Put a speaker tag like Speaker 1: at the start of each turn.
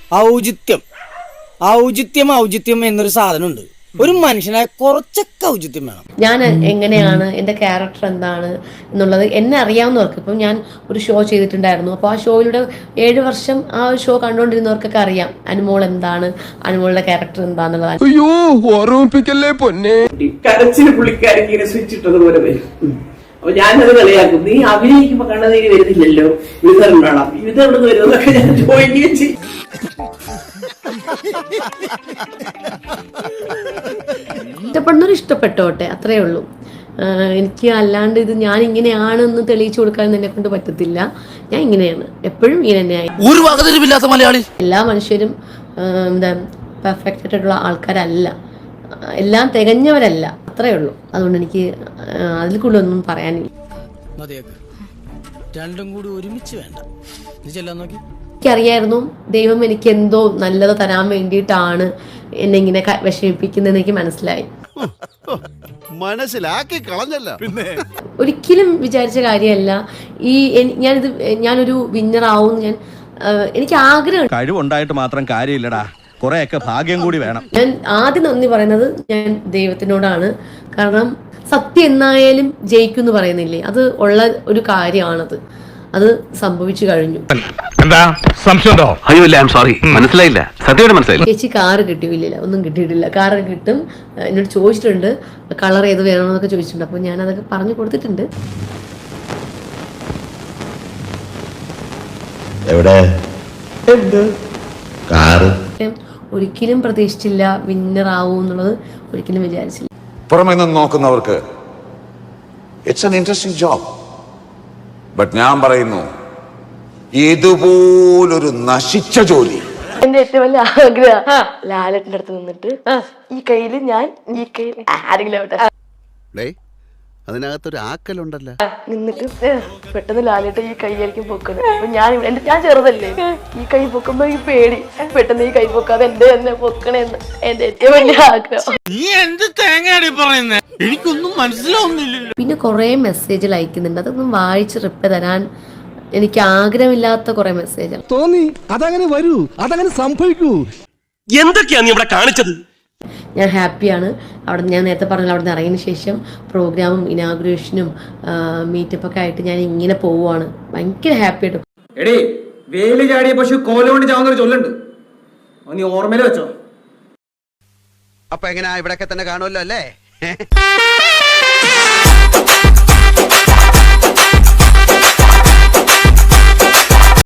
Speaker 1: ഔചിത്യം ഔചിത്യം എന്നൊരു സാധനമുണ്ട്. ഒരു മനുഷ്യനായ കുറച്ചൊക്കെ ഔചിത്യം വേണം.
Speaker 2: ഞാൻ എങ്ങനെയാണ്, എൻ്റെ ക്യാരക്ടർ എന്താണ് എന്നുള്ളത് എന്നെ അറിയാവുന്നവർക്ക്, ഇപ്പം ഞാൻ ഒരു ഷോ ചെയ്തിട്ടുണ്ടായിരുന്നു. അപ്പോൾ ആ ഷോയിലൂടെ 7 വർഷം ആ ഷോ കണ്ടുകൊണ്ടിരുന്നവർക്കൊക്കെ അറിയാം അനുമോൾ എന്താണ്, അനുമോളുടെ ക്യാരക്ടർ എന്താന്നുള്ളത്.
Speaker 3: കരച്ചിൽ പുള്ളിക്കാരിക്ക് ഇങ്ങനെ സ്വിച്ച് ഇട്ടതുപോലെ വരും. അപ്പൊ ഞാനത് കളിയാക്കും, നീ അഭിനയിക്കുമ്പോ കണ്ണുനീര് വരുന്നില്ലല്ലോ, വിതരണം വേണം, വിതരണം വരുന്നതൊക്കെ ഞാൻ ചോദിക്കുകയും ചെയ്യും.
Speaker 2: ഇഷ്ടപ്പെടുന്നവർ ഇഷ്ടപ്പെട്ടോട്ടെ, അത്രേ ഉള്ളൂ. എനിക്ക് അല്ലാണ്ട് ഇത് ഞാൻ ഇങ്ങനെയാണെന്ന് തെളിയിച്ചു കൊടുക്കാൻ എന്നെ കൊണ്ട് പറ്റത്തില്ല. ഞാൻ ഇങ്ങനെയാണ്, എപ്പോഴും ഇങ്ങനെ തന്നെയായി.
Speaker 4: ഒരു വകതിരിവില്ലാത്ത മലയാളി.
Speaker 2: എല്ലാ മനുഷ്യരും എന്താ പെർഫെക്റ്റ് ആയിട്ടുള്ള ആൾക്കാരല്ല, എല്ലാം തികഞ്ഞവരല്ല, അത്രേ ഉള്ളൂ. അതുകൊണ്ട് എനിക്ക് അതിൽ കൂടുതൽ ഒന്നും പറയാനില്ല.
Speaker 1: രണ്ടും കൂടി ഒരുമിച്ച് വേണ്ട.
Speaker 2: എനിക്കറിയായിരുന്നു ദൈവം എനിക്ക് എന്തോ നല്ലത് തരാൻ വേണ്ടിയിട്ടാണ് എന്നെ ഇങ്ങനെ വിഷമിപ്പിക്കുന്നതെന്ന് എനിക്ക് മനസ്സിലായി.
Speaker 5: മനസ്സിലാക്കി കളഞ്ഞല്ല. പിന്നെ
Speaker 2: ഒരിക്കലും വിചാരിച്ച കാര്യമല്ല ഞാനൊരു വിന്നർ ആവും. എനിക്ക് ആഗ്രഹം.
Speaker 6: കഴിവുണ്ടായിട്ട് മാത്രം കാര്യമില്ലടാ, കുറെയൊക്കെ ഭാഗ്യം കൂടി വേണം.
Speaker 2: ഞാൻ ആദ്യം നന്ദി പറയുന്നത് ഞാൻ ദൈവത്തിനോടാണ്. കാരണം സത്യം എന്നായാലും ജയിക്കും എന്ന് പറയുന്നില്ലേ, അത് ഉള്ള ഒരു കാര്യമാണത്. അത് സംഭവിച്ചു കഴിഞ്ഞു.
Speaker 7: മനസ്സിലായില്ല, സത്യമായിട്ട് മനസ്സിലായില്ല.
Speaker 2: ചേച്ചി കാറ് കിട്ടിയില്ല, ഒന്നും കിട്ടിയിട്ടില്ല. കാറ് കിട്ടും എന്നോട് ചോദിച്ചിട്ടുണ്ട്, കളർ ഏത് വേണമെന്നൊക്കെ ചോദിച്ചിട്ടുണ്ട്. അപ്പോൾ ഞാൻ അതൊക്കെ പറഞ്ഞു കൊടുത്തിട്ടുണ്ട്. ഒരിക്കലും പ്രതീക്ഷിച്ചില്ല വിന്നർ ആവും എന്നുള്ളത്, ഒരിക്കലും വിചാരിച്ചില്ല.
Speaker 8: പുറമെ നിന്ന് നോക്കുന്നവർക്ക് it's an interesting job. But ഞാൻ പറയുന്നു, ഇതുപോലൊരു നശിച്ച ജോലി
Speaker 9: എന്റെ ഏറ്റവും വലിയ ആഗ്രഹം ലാലേട്ടന്റെ അടുത്ത് നിന്നിട്ട് ഈ കയ്യില് ഞാൻ ഈ കയ്യിൽ ആരെങ്കിലും ആവട്ടെ,
Speaker 5: അതിനകത്തൊരു ആക്കലുണ്ടല്ലോ,
Speaker 9: നിന്നിട്ട് പെട്ടെന്ന് ലാലേട്ട ഈ കൈയായിരിക്കും പൊക്കുന്നത്. അപ്പൊ ഞാൻ ചെറുതല്ലേ, ഈ കൈ പൊക്കുമ്പോ ഈ പേടി, പെട്ടെന്ന് ഈ കൈ പൊക്കാതെ എന്റെ തന്നെ പൊക്കണേന്ന് എന്റെ ഏറ്റവും വലിയ ആഗ്രഹം.
Speaker 4: എനിക്കൊന്നും മനസ്സിലാവുന്നില്ല.
Speaker 2: പിന്നെ കുറെ മെസ്സേജ് അയക്കുന്നുണ്ട്, അതൊന്നും വായിച്ച് റിപ്ലൈ തരാൻ എനിക്ക് ആഗ്രഹമില്ലാത്ത കുറെ മെസ്സേജ്
Speaker 10: തോന്നി. അതങ്ങനെ വരൂ, അതങ്ങനെ സംഭവിക്കൂ.
Speaker 4: എന്തൊക്കെയാണ് നീ ഇവിടെ കാണിച്ചത്?
Speaker 2: ഞാൻ ഹാപ്പിയാണ്. അവിടെ ഞാൻ നേരത്തെ പറഞ്ഞ അവിടെ നിന്ന് ഇറങ്ങിയതിന് ശേഷം പ്രോഗ്രാമും ഇനാഗുറേഷനും മീറ്റപ്പൊക്കെ ആയിട്ട് ഞാൻ ഇങ്ങനെ പോവുകയാണ്. ഭയങ്കര ഹാപ്പി ആയിട്ട്.
Speaker 11: എടേ, വേലി ചാടിയ പശു കോലുകൊണ്ട് ചാവുന്നൊരു ചൊല്ലുണ്ട്, നീ ഓർമ്മയിൽ വെച്ചോ.
Speaker 5: അപ്പൊ എങ്ങനെയാ, ഇവിടെയൊക്കെ തന്നെ കാണുമല്ലോ അല്ലേ?